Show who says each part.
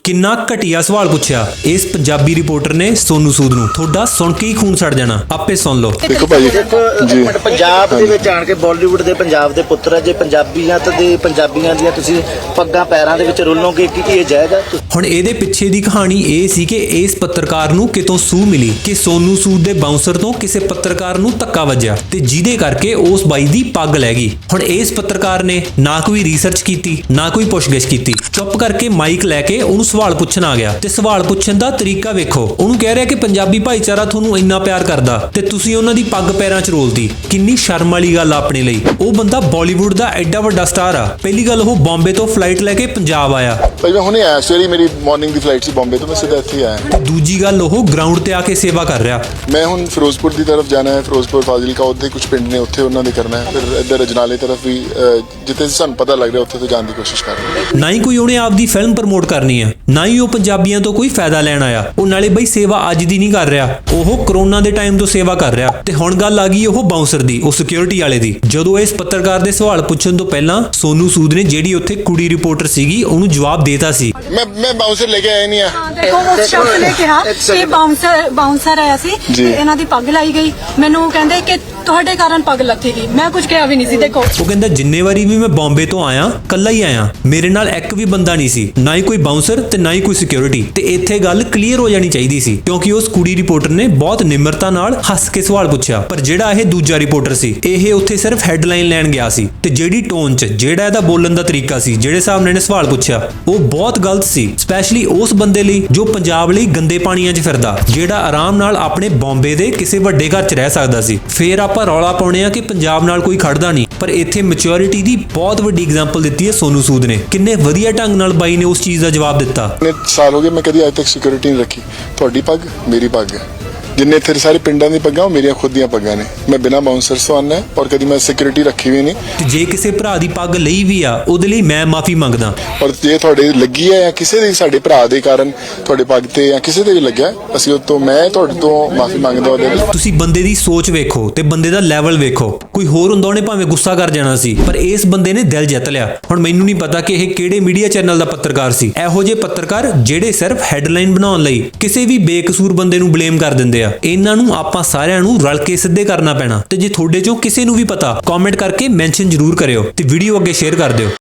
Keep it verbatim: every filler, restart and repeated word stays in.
Speaker 1: किन्ना घटिया सवाल पूछा इस पंजाबी रिपोर्टर ने सोनू सूद ਨੂੰ ਤੁਹਾਡਾ ਸੁਣ ਕੇ ਹੀ ਖੂਨ ਛੱਡ ਜਾਣਾ ਆਪੇ ਸੁਣ ਲਓ।
Speaker 2: ਦੇਖੋ ਭਾਈ
Speaker 3: ਦੇਖੋ ਇੱਕ ਮਿੰਟ ਪੰਜਾਬ ਦੇ ਵਿੱਚ ਆਣ ਕੇ ਬਾਲੀਵੁੱਡ ਦੇ ਪੰਜਾਬ ਦੇ ਪੁੱਤਰ ਜੇ ਪੰਜਾਬੀਆਂ ਤੇ ਪੰਜਾਬੀਆਂ ਦੀਆਂ ਤੁਸੀਂ ਪੱਗਾਂ ਪੈਰਾਂ ਦੇ ਵਿੱਚ ਰੋਲੋਗੇ ਕਿ ਕੀ ਇਹ ਜਾਇਜ਼ ਹੈ?
Speaker 1: ਹੁਣ ਇਹਦੇ ਪਿੱਛੇ ਦੀ ਕਹਾਣੀ ਇਹ ਸੀ ਕਿ ਇਸ ਪੱਤਰਕਾਰ ਨੂੰ ਕਿਤੋਂ ਸੂਹ ਮਿਲੀ ਕਿ ਸੋਨੂ ਸੂਦ ਦੇ ਬਾਉਂਸਰ ਤੋਂ ਕਿਸੇ ਪੱਤਰਕਾਰ ਨੂੰ ਧੱਕਾ ਵੱਜਿਆ ਤੇ ਜਿਹਦੇ ਕਰਕੇ ਉਸ ਬਾਈ ਦੀ ਪੱਗ ਲੈ ਗਈ। ਹੁਣ ਇਸ ਪੱਤਰਕਾਰ ਨੇ ਨਾ ਕੋਈ ਰਿਸਰਚ ਕੀਤੀ ਨਾ ਕੋਈ ਪੁੱਛਗਿੱਛ ਕੀਤੀ, ਚੁੱਪ ਕਰਕੇ ਮਾਈਕ ਲੈ ਕੇ ਉਹਨੂੰ ਸਵਾਲ ਪੁੱਛਣ ਆ ਗਿਆ ਤੇ ਸਵਾਲ ਪੁੱਛਣ ਦਾ ਤਰੀਕਾ ਵੇਖੋ। ਉਹਨੂੰ ਕਹਿ ਰਿਹਾ ਕਿ ਪੰਜਾਬੀ ਭਾਈਚਾਰਾ ਤੁਹਾਨੂੰ ਇੰਨਾ ਪਿਆਰ ਕਰਦਾ ਤੇ ਤੁਸੀਂ ਉਹਨਾਂ ਦੀ ਪੱਗ ਪੈਰਾਂ 'ਚ ਰੋਲਦੀ, ਕਿੰਨੀ ਸ਼ਰਮ ਵਾਲੀ ਗੱਲ ਆ ਆਪਣੇ ਲਈ। ਉਹ ਬੰਦਾ ਬਾਲੀਵੁੱਡ ਦਾ ਐਡਾ ਵੱਡਾ ਸਟਾਰ ਆ। ਪਹਿਲੀ ਗੱਲ ਉਹ ਬੰਬੇ ਤੋਂ ਫਲਾਈਟ ਲੈ ਕੇ ਪੰਜਾਬ ਆਇਆ।
Speaker 2: ਭਾਈ ਮੈਂ ਹੁਣੇ ਆਇਆ ਸਵੇਰੇ, ਮੇਰੀ ਮਾਰਨਿੰਗ ਦੀ ਫਲਾਈਟ ਸੀ ਬੰਬੇ ਤੋਂ, ਮੈਂ ਸਿੱਧਾ ਇੱਥੇ ਆਇਆ।
Speaker 1: ਤੇ ਦੂਜੀ ਗੱਲ ਉਹ ਗਰਾਊਂਡ ਤੇ ਆ ਕੇ ਸੇਵਾ ਕਰ ਰਿਹਾ।
Speaker 2: ਮੈਂ ਹੁਣ ਫਿਰੋਜ਼ਪੁਰ ਦੀ ਤਰਫ ਜਾਣਾ ਹੈ, ਫਿਰੋਜ਼ਪੁਰ ਫਾਜ਼ਿਲਕਾ ਉੱਥੇ ਕੁਝ ਪਿੰਡ ਨੇ, ਉੱਥੇ ਉਹਨਾਂ ਦੇ ਕਰਨਾ ਹੈ। ਫਿਰ ਇੱਧਰ ਅਜਨਾਲੇ ਤਰਫ ਵੀ ਜਿੱਥੇ ਸਾਨੂੰ ਪਤਾ ਲੱਗ ਰਿਹਾ ਉੱਥੇ ਤੋਂ ਜਾਣ ਦੀ ਕੋਸ਼ਿਸ਼ ਕਰ ਰਹੇ ਹਾਂ।
Speaker 1: ਨਾ ਹੀ ਕੋਈ ਉਹਨੇ ਆਪਦੀ ਫਿਲਮ ਪ੍ਰਮੋਟ ਕਰਨੀ ਆ, ਨਾ ਹੀ ਉਹ ਪੰਜਾਬੀਆਂ ਤੋਂ ਕੋਈ ਫਾਇਦਾ ਲੈਣ ਆਇਆ। ਉਹ ਨਾਲੇ ਬਈ ਸੇਵਾ ਅੱਜ ਦੀ ਨਹੀਂ ਕਰ ਰਿਹਾ, ਉਹ ਕਰੋਨਾ ਦੇ ਟਾਈਮ ਤੋਂ ਸੇਵਾ ਕਰ ਰਿਹਾ। ਤੇ ਹੁਣ ਗੱਲ ਆ ਗਈ ਉਹ ਬਾਉਂਸਰ ਦੀ, ਉਹ ਸਿਕਿਉਰਿਟੀ ਵਾਲੇ ਦੀ। ਜਦੋਂ ਇਸ ਪੱਤਰਕਾਰ ਦੇ ਸਵਾਲ ਪੁੱਛਣ ਤੋਂ ਪਹਿਲਾਂ ਸੋਨੂ ਸੂਦ ਨੇ ਜਿਹੜੀ ਉੱਥੇ ਕੁੜੀ ਰਿਪੋਰਟਰ ਸੀਗੀ ਉਹਨੂੰ ਜਵਾਬ ਦੇਤਾ ਸੀ।
Speaker 2: ਮੈਂ ਮੈਂ ਬਾਉਂਸਰ ਲੈ ਕੇ ਆਇਆ ਨਹੀਂ ਆ।
Speaker 4: ਦੇਖੋ ਉਸ ਸ਼ਖਸ ਨੇ ਕਿਹਾ ਕਿ ਬਾਉਂਸਰ ਬਾਉਂਸਰ ਆਇਆ ਸੀ ਤੇ ਇਹਨਾਂ ਦੀ ਪੱਗ ਲਾਈ ਗਈ। ਮੈਨੂੰ ਕਹਿੰਦੇ ਕਿ ਤੁਹਾਡੇ ਕਾਰਨ ਪੱਗ ਲੱਥੀ ਗਈ। ਮੈਂ ਕੁਝ ਕਿਹਾ ਵੀ ਨਹੀਂ ਸੀ। ਦੇਖੋ
Speaker 1: ਉਹ ਕਹਿੰਦਾ ਜਿੰਨੇ ਵਾਰੀ ਵੀ ਮੈਂ ਬੰਬੇ ਤੋਂ ਆਇਆ ਕੱਲਾ ਹੀ ਆਇਆ, ਮੇਰੇ ਨਾਲ ਇੱਕ ਵੀ ਬੰਦਾ ਨਹੀਂ ਸੀ, ਨਾ ਹੀ ਕੋਈ ਬਾਉਂਸਰ ਤੇ ਨਾ ਹੀ ਕੋਈ ਸਿਕਿਉਰਿਟੀ। ਤੇ ਇੱਥੇ ਗੱਲ ਕਲੀਅਰ ਹੋ ਜਾਣੀ ਚਾਹੀਦੀ ਸੀ ਕਿਉਂਕਿ ਉਸ ਕੁੜੀ ਰਿਪੋਰਟਰ ਨੇ ਬਹੁਤ ਨਿਮਰਤਾ ਨਾਲ ਹੱਸ ਕੇ ਸਵਾਲ ਪੁੱਛਿਆ। ਪਰ ਜਿਹੜਾ ਇਹ ਦੂਜਾ ਰਿਪੋਰਟਰ ਸੀ, ਇਹ ਉੱਥੇ ਸਿਰਫ ਹੈਡਲਾਈਨ ਲੈਣ ਗਿਆ ਸੀ ਤੇ ਜਿਹੜੀ ਟੋਨ 'ਚ ਜਿਹੜਾ ਇਹਦਾ ਬੋਲਣ ਦਾ ਤਰੀਕਾ ਸੀ, ਜਿਹੜੇ ਹਿਸਾਬ ਨਾਲ ਇਹਨੇ ਸਵਾਲ ਪੁੱਛਿਆ, ਉਹ ਬਹੁਤ ਗਲਤ ਸੀ। ਸਪੈਸ਼ਲੀ ਉਸ ਬੰਦੇ ਲਈ ਜੋ ਪੰਜਾਬ ਲਈ ਗੰਦੇ ਪਾਣੀਆਂ 'ਚ ਫਿਰਦਾ, ਜਿਹੜਾ ਆਰਾਮ ਨਾਲ ਆਪਣੇ ਬੰਬੇ ਦੇ ਕਿਸੇ ਵੱਡੇ ਘਰ 'ਚ ਰਹਿ ਸਕਦਾ ਸੀ। ਫੇਰ ਆਪਾਂ ਰੌਲਾ ਪਾਉਣੇ ਆ ਕਿ ਪੰਜਾਬ ਨਾਲ ਕੋਈ ਖੜਦਾ ਨਹੀਂ, ਪਰ ਇੱਥੇ ਮੈਚੁਰਿਟੀ ਦੀ ਬਹੁਤ ਵੱਡੀ ਐਗਜ਼ਾਮਪਲ ਦਿੱਤੀ ਹੈ ਸੋਨੂ ਸੂਦ ਨੇ। ਕਿੰਨੇ ਵਧੀਆ ਢੰਗ ਨਾਲ ਬਾਈ ਨੇ ਉਸ ਚੀਜ਼ ਦਾ ਜਵਾਬ ਦਿੱਤਾ।
Speaker 2: ਨੇ ਸਾਲ ਹੋ ਗਏ ਮੈਂ ਕਦੀ ਅੱਜ ਤੱਕ ਸਿਕਿਉਰਿਟੀ ਨਹੀਂ ਰੱਖੀ। ਤੁਹਾਡੀ ਪੱਗ ਮੇਰੀ ਪੱਗ ਹੈ। ਜਿੰਨੇ ਇੱਥੇ ਸਾਰੇ ਪਿੰਡਾਂ ਦੀ ਪੱਗਾਂ ਉਹ ਮੇਰੀਆਂ ਖੁਦ ਦੀਆਂ ਪੱਗਾਂ ਨੇ। ਮੈਂ ਬਿਨਾਂ ਬਾਉਂਸਰ ਤੋਂ ਆਉਂਦਾ ਔਰ ਕਦੀ ਮੈਂ ਸਿਕਿਉਰਿਟੀ ਰੱਖੀ ਵੀ ਨਹੀਂ।
Speaker 1: ਤੇ ਜੇ ਕਿਸੇ ਭਰਾ ਦੀ ਪੱਗ ਲਈ ਵੀ ਆ ਉਹਦੇ ਲਈ ਮੈਂ ਮਾਫੀ ਮੰਗਦਾ।
Speaker 2: ਔਰ ਜੇ ਤੁਹਾਡੇ ਲੱਗੀ ਹੈ ਜਾਂ ਕਿਸੇ ਦੇ ਸਾਡੇ ਭਰਾ ਦੇ ਕਾਰਨ ਤੁਹਾਡੇ ਪੱਗ ਤੇ ਜਾਂ ਕਿਸੇ ਦੇ ਵੀ ਲੱਗਿਆ, ਅਸੀਂ ਉਹ ਤੋਂ ਮੈਂ ਤੁਹਾਡੇ ਤੋਂ ਮਾਫੀ ਮੰਗਦਾ ਉਹਦੇ ਲਈ।
Speaker 1: ਤੁਸੀਂ ਬੰਦੇ ਦੀ ਸੋਚ ਵੇਖੋ ਤੇ ਬੰਦੇ ਦਾ ਲੈਵਲ ਵੇਖੋ। ਕੋਈ ਹੋਰ ਹੁੰਦਾ ਉਹਨੇ ਭਾਵੇਂ ਗੁੱਸਾ ਕਰ ਜਾਣਾ ਸੀ, ਪਰ ਇਸ ਬੰਦੇ ਨੇ ਦਿਲ ਜਿੱਤ ਲਿਆ। ਹੁਣ ਮੈਨੂੰ ਨਹੀਂ ਪਤਾ ਕਿ ਇਹ ਕਿਹੜੇ ਮੀਡੀਆ ਚੈਨਲ ਦਾ ਪੱਤਰਕਾਰ ਸੀ। ਇਹੋ ਜਿਹੇ ਪੱਤਰਕਾਰ ਜਿਹੜੇ ਸਿਰਫ ਹੈਡਲਾਈਨ ਬਣਾਉਣ ਲਈ ਕਿਸੇ ਵੀ ਬੇਕਸੂਰ ਬੰਦੇ ਨੂੰ ਬਲੇਮ ਕਰ ਦਿੰਦੇ ਆ, ਇਹਨਾਂ ਨੂੰ ਆਪਾਂ ਸਾਰਿਆਂ ਨੂੰ ਰਲ ਕੇ ਸਿੱਧੇ ਕਰਨਾ ਪੈਣਾ। ਤੇ ਜੇ ਤੁਹਾਡੇ ਚੋਂ ਕਿਸੇ ਨੂੰ ਵੀ ਪਤਾ, ਕਮੈਂਟ ਕਰਕੇ ਮੈਂਸ਼ਨ ਜ਼ਰੂਰ ਕਰਿਓ ਤੇ ਵੀਡੀਓ ਅੱਗੇ ਸ਼ੇਅਰ ਕਰ ਦਿਓ।